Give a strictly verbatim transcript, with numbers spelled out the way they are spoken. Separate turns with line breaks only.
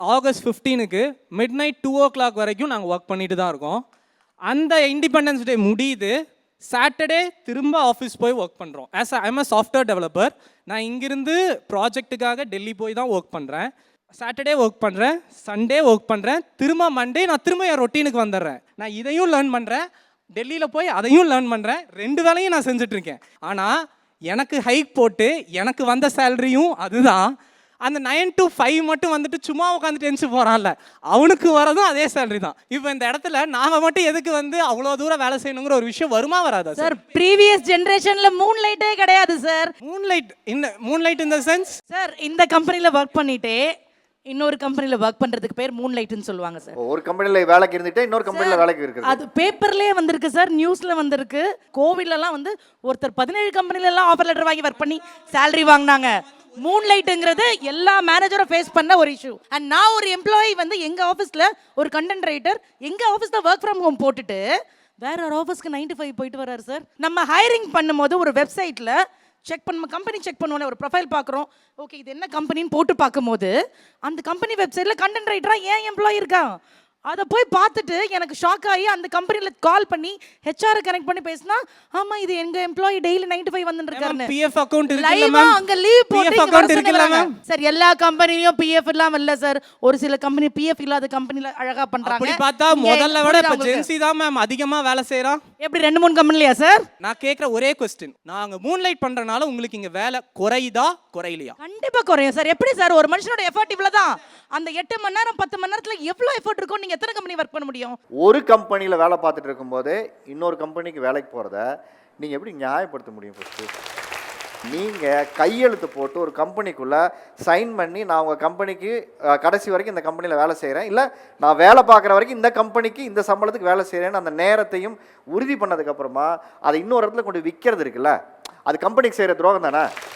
August ஃபிஃப்டீனுக்கு midnight two o'clock வரைக்கும் நாங்கள் ஒர்க் பண்ணிட்டு தான் இருக்கோம். அந்த இண்டிபெண்டன்ஸ் டே முடியுது, சாட்டர்டே திரும்ப ஆஃபீஸ் போய் ஒர்க் பண்ணுறோம். As I am a software developer. நான் இங்கிருந்து ப்ராஜெக்ட்டுக்காக டெல்லி போய் தான் ஒர்க் பண்ணுறேன். சாட்டர்டே ஒர்க் பண்ணுறேன், சண்டே ஒர்க் பண்ணுறேன், திரும்ப மண்டே நான் திரும்ப என் ரொட்டீனுக்கு வந்துடுறேன். நான் இதையும் லேர்ன் பண்ணுறேன், டெல்லியில் போய் அதையும் லேர்ன் பண்ணுறேன். ரெண்டு வேலையும் நான் செஞ்சிட்ருக்கேன். ஆனால் எனக்கு ஹைக் போட்டு எனக்கு வந்த சேலரியும் அதுதான். அந்த நைன் டு ஃபைவ் மட்டும் வந்துட்டு சும்மா உட்காந்துட்டு எழுந்து போகிறான்ல, அவனுக்கு வரதும் அதே சேலரி தான். இப்போ இந்த இடத்துல நாங்கள் மட்டும் எதுக்கு வந்து அவ்வளோ தூரம் வேலை செய்யணுங்கிற ஒரு விஷயம் வருமா வராதா
சார்? ப்ரீவியஸ் ஜென்ரேஷனில் மூன் லைட்டே கிடையாது சார்.
மூன் லைட் இந்த மூன் லைட் இந்த சென்ஸ்
சார், இந்த கம்பெனியில் ஒர்க் பண்ணிட்டே இன்னொரு கம்பெனியில் ஒர்க் பண்ணுறதுக்கு பேர் மூன் லைட்னு சொல்லுவாங்க சார்.
ஒரு கம்பெனியில் வேலைக்கு இருந்துட்டு இன்னொரு கம்பெனியில் வேலைக்கு இருக்குது.
அது பேப்பர்லேயே வந்திருக்கு சார், நியூஸில் வந்திருக்கு. கோவிட்லலாம் வந்து ஒருத்தர் பதினேழு கம்பெனிலலாம் ஆஃபர் லெட்டர் வாங்கி ஒர்க் பண்ணி சேலரி வாங்கினாங்க. மூன் லைட்டுங்கிறது எல்லா மேனேஜரும் ஃபேஸ் பண்ண ஒரு இஷ்யூ. அண்ட் நான் ஒரு எம்ப்ளாயி வந்து எங்கள் ஆஃபீஸில் ஒரு கண்டென்ட் ரைட்டர் எங்கள் ஆஃபீஸில் ஒர்க் ஃப்ரம் ஹோம் போட்டுட்டு வேற ஒரு ஆஃபீஸ்க்கு நைன்டி ஃபைவ் போயிட்டு வர்றாரு சார். நம்ம ஹையரிங் பண்ணும்போது ஒரு வெப்சைட்டில் செக் பண்ண கம்பெனி செக் பண்ணுவோம், ஒரு ப்ரொஃபைல் பார்க்குறோம், ஓகே இது என்ன கம்பெனின்னு போட்டு பார்க்கும்போது அந்த கம்பெனி வெப்சைட்டில் கண்டென்ட் ரைட்டராக ஏன் எம்ப்ளாயி இருக்கான். அதை போய் பார்த்துட்டு எனக்கு ஷாக் ஆகி அந்த கம்பெனியில் கால் பண்ணி ஹெச்ஆர் கனெக்ட் பண்ணி பேசினா, ஆமா இது எங்க எம்ப்ளாயி டெய்லி நைன்டி ஃபைவ் வந்துட்டு இருக்காரு.
பிஎஃப் அக்கவுண்ட்
இருக்குல்ல மேம், அங்க லீவ் போட்டு அக்கவுண்ட் இருக்குல்ல மேம். சார் எல்லா கம்பெனிலயும் பிஎஃப் இல்லாம இல்ல சார், ஒரு சில கம்பெனி பிஎஃப் இல்லாத கம்பெனில அழகா பண்றாங்க.
அப்படி பார்த்தா முதல்ல விட இப்ப ஜென்சி தான் மேம் அதிகமா வேலை செய்றான்.
எப்படி ரெண்டு மூணு கம்பெனிலயா சார்?
நான் கேக்குற ஒரே क्वेश्चन, நாங்க மூன் லைட் பண்றனால உங்களுக்கு இங்க வேலை குறையுதா குறையலையா?
கண்டிப்பா குறையும் சார். எப்படி சார் ஒரு மனுஷனோட எஃபர்ட் இவ்வளவுதான். அந்த எட்டு மணி நேரம் பத்து மணி நேரத்துல எவ்வளவு எஃபர்ட் இருக்கும்? நீங்க எத்தனை கம்பெனி ஒர்க் பண்ண முடியும்?
ஒரு கம்பெனியில் வேலை பார்த்துட்டு இருக்கும்போது இன்னொரு கம்பெனிக்கு வேலைக்கு போகிறத நீங்கள் எப்படி நியாயப்படுத்த முடியும்? ஃபஸ்ட்டு நீங்கள் கையெழுத்து போட்டு ஒரு கம்பெனிக்குள்ளே சைன் பண்ணி நான் உங்கள் கம்பெனிக்கு கடைசி வரைக்கும் இந்த கம்பெனியில் வேலை செய்கிறேன், இல்லை நான் வேலை பார்க்குற வரைக்கும் இந்த கம்பெனிக்கு இந்த சம்பளத்துக்கு வேலை செய்கிறேன்னு அந்த நேரத்தையும் உறுதி பண்ணதுக்கப்புறமா அதை இன்னொரு இடத்துல கொண்டு விற்கிறது இருக்குல்ல, அது கம்பெனிக்கு செய்கிற துரோகம் தானே?